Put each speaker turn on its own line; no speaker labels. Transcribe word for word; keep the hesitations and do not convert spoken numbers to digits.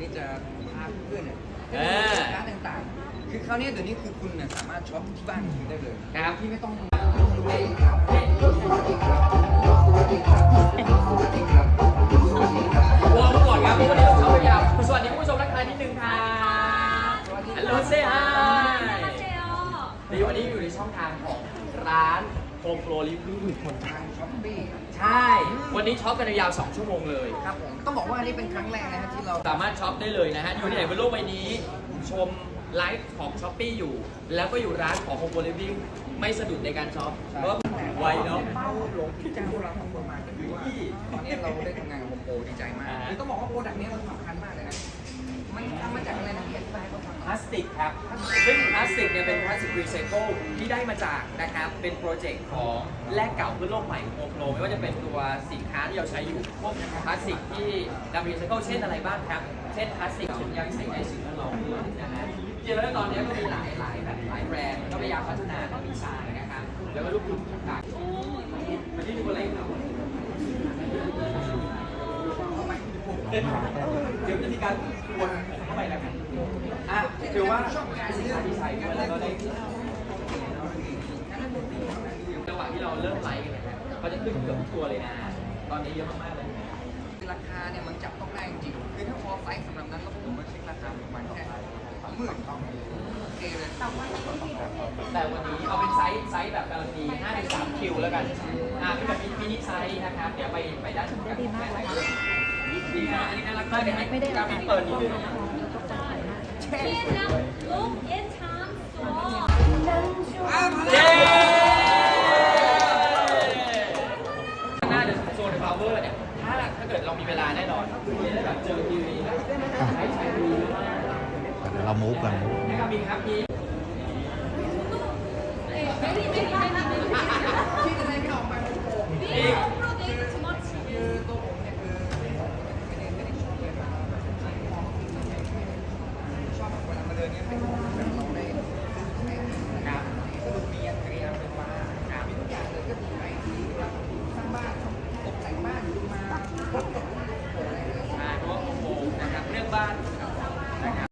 นี้จะพาเพื่อนเนี่ย
เออ
ร้านต่างๆคือคราวนี้เดี๋ยวนี้คือคุณเนี่ยสามารถช็อปที่บ้านคุณได้เลย
ครับ
ที่ไม่ต้อง
วอร์มก่อนครับวันนี้เราเข้าไปยาวสวัสดีผู้ชมทักทายนิดนึงค่ะฮัลโหลเซ่ฮายดีวันนี้อยู่ในช่องทางของร้านโฮมโปรลิฟวิ่ง
ทางช้อปปี้
ใช่ วันนี้ช็อปกันยาวสองชั่วโมงเลย
ครับผมต้องบอกว่าอันนี้เป็นครั้งแรกนะฮะที่เรา
สามารถช็อปได้เลยนะฮะ อยู่ที่ไหนบนโลกใบนี้ ชมไลฟ์ของช้อปปี้อยู่ แล้วก็อยู่ร้านของโฮมโปรลิฟวิ่งไม่สะดุดในการช็อปเพราะว่าไวเนาะ
เป้าหลงที่จ้างพวกเราทำประมาณก็คือว่าตอนนี้เราได้ทำงานกับโฮมโปรดีใจมากคือต้องบอกว่าโปรดักต์นี้มันสำคัญมากเลยนะมันทำมาจากอะไรนะพี่อธิบายให้เขาฟัง
พลาสติกครับ ซึ่งพลาสติกเนี่ยเป็นพลาสติกรีไซเคิลที่ได้มาจากนะครับ เป็นโปรเจกต์ของแลกเก่าเพื่อโลกใหม่ของโฮมโปรไม่ว่าจะเป็นตัวสินค้าที่เราใช้อยู่ พวกพลาสติกที่นำรีไซเคิลเช่นอะไรบ้างครับ เช่นพลาสติกถุงยางใส่ในสิ่งแวดล้อมด้วยนะฮะจริงๆแล้วตอนนี้ก็มีหลายหลายแบบหลายแบรนด์ก็พยายามพัฒนาทั้งดีไซน์นะครับ แล้วก็รูปแบบต่างๆมันที่ดูอะไรครับเดี๋ยวจะมีการวนผมเข้าไปแล้วกันอ่ะถือว่าชอบการดีไซน์ด้วยแล้วก็ได้จังหวะที่เราเริ่มไลฟ์กันเนี่ยเขาจะขึ้นเกือบทุกตัวเลยนะ ตอนนี้เยอะมากๆเลย
ราคาเนี่ยมันจับต้องได้จริงคือถ้าพอไซส์สำหรับนั้นแล้วผมมาเช็คราคาประมาณแค่หมื่นโอเคเลย
แต่วันนี้เอาเป็นไซส์ไซส์แบบการันตีห้าถึงสามคิวแล้วกัน อ่าเป็นแบบมินิไซส์นะครับ เดี๋ยวไปไปด้านนู้นกันดีมากเลยดีนะอันนี้น่ารักมากเลยให้การมินเปิดนิดนึง
Look, it's time for
เย้หน้าเดอะโซนพาวเวอร์เนี่ย ถ้าถ้าเกิดเรามีเวลาแน่นอนแบบเจอทีวีใช้ใช้ทีวีมาก
เดี๋ยวเรามูฟกัน
นะครับมีครับมี
ready, ready, ready.